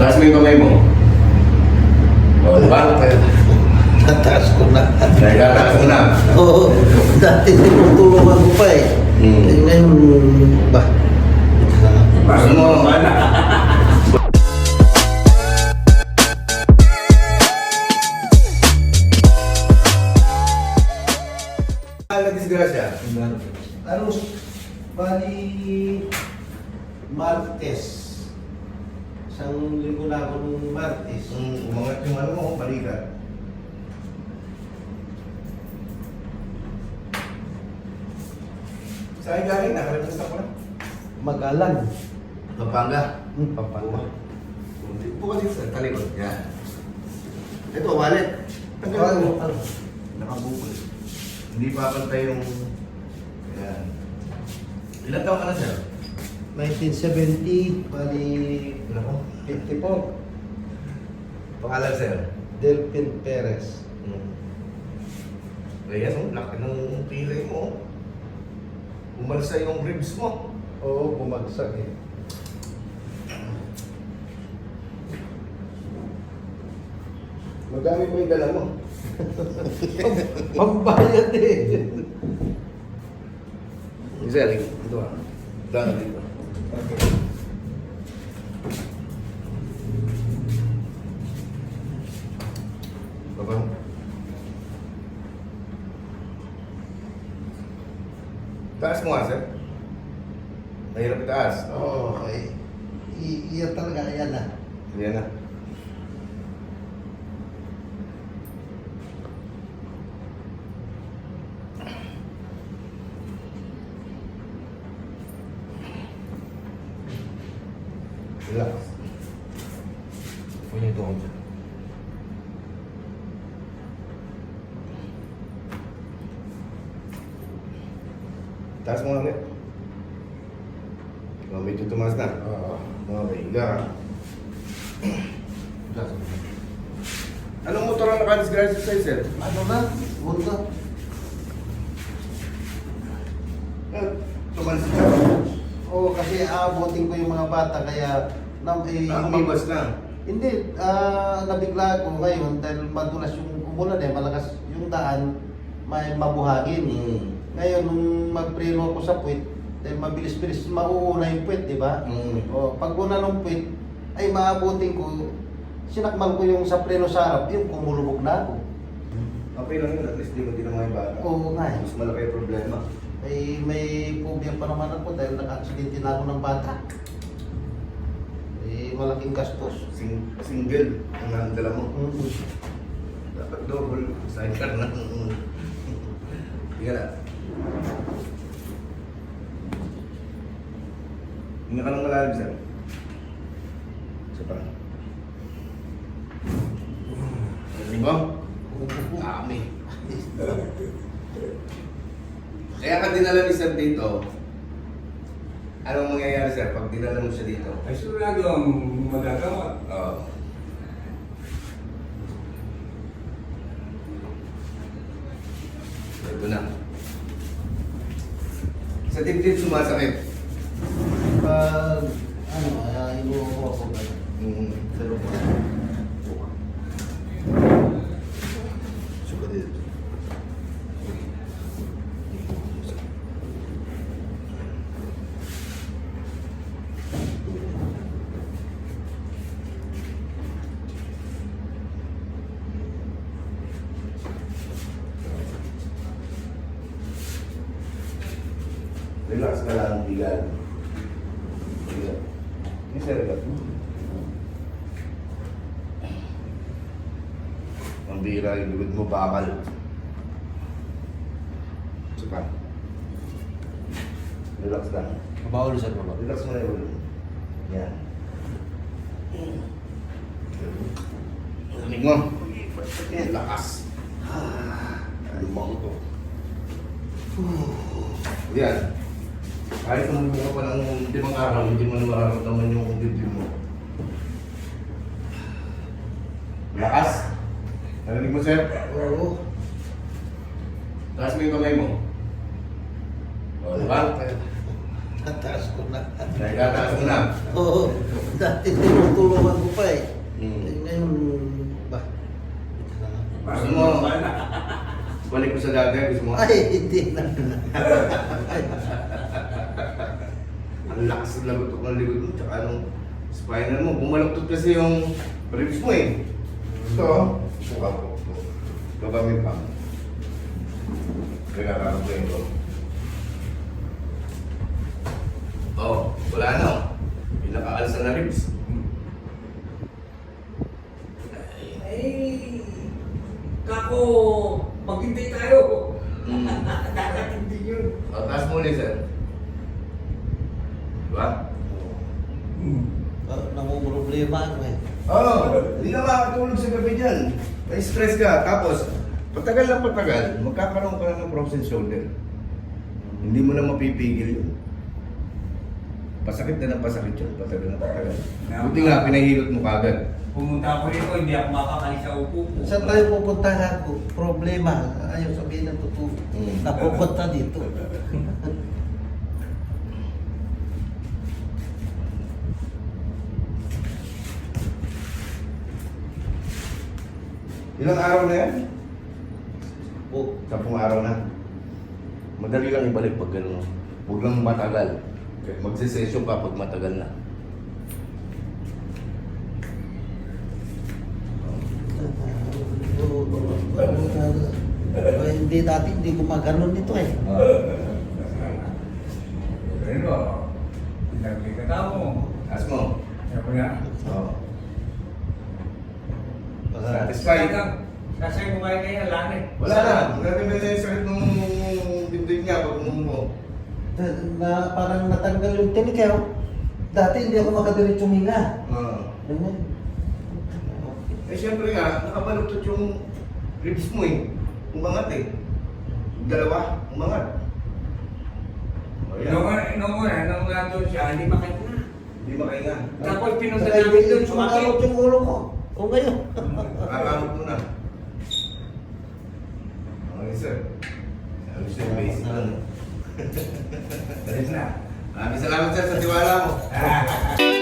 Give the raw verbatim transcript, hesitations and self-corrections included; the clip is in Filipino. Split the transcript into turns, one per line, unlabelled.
Taas mo yung kamay mo. O, diba?
Tataas ko na.
Dahil tataas mo na.
Oo. Dati tinutulungan ko pa eh.
Hmm.
Eh, ngayon, ba?
Paso mo. Ano disgrasya?
Ano, bali, Martes. Isang linggo na ako nung Martes.
Hmm, umangat yung ano mo, balikat. Saan galing? Nakalimusta ko na.
Magalan.
Pampanga.
Hmm, Pampanga.
Bukas dito sa talikod. Yan. Ito, wallet.
Ano,
Tanggalin mo.
ano?
Nakabukol. Hindi papantay yung... Yan. Ilan taon ka na, sir?
nineteen seventy, bali,
Ilan ko?
fifty-four.
Pangalan, sir?
Delphin Perez.
Hmm. Reyes, oh, laki ng pilay mo. Umalsa yung ribs mo.
Oo, bumagsak eh.
Magami mo yung dala mo.
Pambayad eh.
Sir, ito ah. Dala dito.
Okay.
Baba. Taas mo nga, sir. Mahirap itaas.
Oo, okay. I- iyan talaga, ayan na.
Yan na. Relax. Punya ito ako dyan. Taas mo nga ulit. Oh, medyo tumaas na.
Oo.
Okay, higa ka. Anong motor ang nakadisgrasya sa'yo, sir?
Ano na? Punta.
Eh, tumalas ka.
Oo, kasi aabotin ko yung mga bata, kaya... Nam, eh,
Ah, umabas na.
Hindi, ah, nabigla ako ngayon dahil madulas yung umulan eh, malakas yung daan, may mabuhagin.
Hmm.
Ngayon, nung magpreno ako sa puwit, dahil mabilis-bilis mauuna yung puwit, di ba?
Hmm.
O, pag una ng puwit, ay maabutin ko, sinakmal ko yung sa preno sa harap, yung kumulubog na ako.
Okay lang yun, at least di mo tinamay yung bata.
Oo nga eh.
Mas malaki yung problema.
Ay, may phobia pa naman ako dahil naka-aksidente na ako ng bata. Eh, malaking gastos.
Sing single ang nandala mo.
Mm-hmm.
Dapat double. Sidecar na. Higa na. Hinga ka ng malalim, sir. Isa pa. Rinig mo? Dami. Kaya ka dinala ni sir dito, anong mangyayari, sir, pag dinala mo siya dito?
Ay, sigurado ang magagawa.
Oo. Ito na. Sa dibdib sumasakit.
Pag, ano, uh, inuupo ako gano'n.
Mm.
Sa loob.
Suka dito. Relax ka lang, bigal. Bigal. Ini saya relax. Ang bira yung likod mo, bakal. Isa pa. Relax lang.
Mabawal sa baba.
Relax mo na yung ulo. Yan. Lamig mo. Yan, lakas. Lumang to. Yan. Kahit kung ka pa ng limang araw, hindi mo na mararamdaman yung dibdib mo. Lakas. Narinig mo, sir?
Oo.
Taas mo yung kamay mo. O, diba?
Tataas ko na.
Dahil tataas mo na.
Oo. Dati tinutulungan ko pa eh.
balik ko sa dati, gusto mo?
Ay, hindi na.
Ang lakas ng lagot ng likod mo, tsaka anong spinal mo. Bumaluktot kasi yung ribs mo eh. Ito, suka po. Gagamit pa. Kaya kakakot ko ito. Oh, wala na. Pinakaalas na ribs.
Ay, kako, maghintay tayo.
Hmm.
Dadating din yun.
O, taas mo ulit, sir. Diba?
Hmm.
Uh, namumroblema ako eh.
Oo, oh, hindi na makakatulog sa gabi dyan. May stress ka. Tapos, patagal na patagal, magkakaroon ka na ng frozen shoulder. Hindi mo na mapipigil yun. Pasakit na ng pasakit yun, patagal na patagal. Buti nga, pinahilot mo kagad.
Pumunta ako rito, hindi ako makakalis sa upo ko.
Saan tayo pupunta ako? Problema. Ayaw sabihin ng totoo.
Hmm.
Napupunta dito.
Ilang araw na yan?
Oh,
Sampung araw na. Madali lang ibalik pag gano'n. Huwag lang matagal. Magsisesyon ka pag matagal na.
uh, hindi dati, hindi gumaganon nito eh.
Pero, pinagli ka tao.
Taas mo.
Sabi nga,
Oo.
Baka-
Satisfied?
sasay mo kayo kayo, lang eh.
Wala na. Magkakaroon na yung sakit ng dibdib niya pag mo.
na, na parang natanggal yung tinik eh. oh. Dati hindi ako makadiretso huminga.
Oo.
Ganyan.
Eh siyempre nga, nakabaluktot yung ribs mo eh. Umangat eh. Yung dalawa, umangat. O yan.
Nung, nung una, nung nandun siya, hindi makahinga.
Hindi makahinga.
Tapos pinunta
Saka
namin doon,
hindi
sumakit.
sumakot yung ulo ko. O ngayon.
Nakakamot mo na. Okay sir. Sabi siya, basic lang.
Alis na.
Maraming salamat sir sa tiwala mo.
Ah.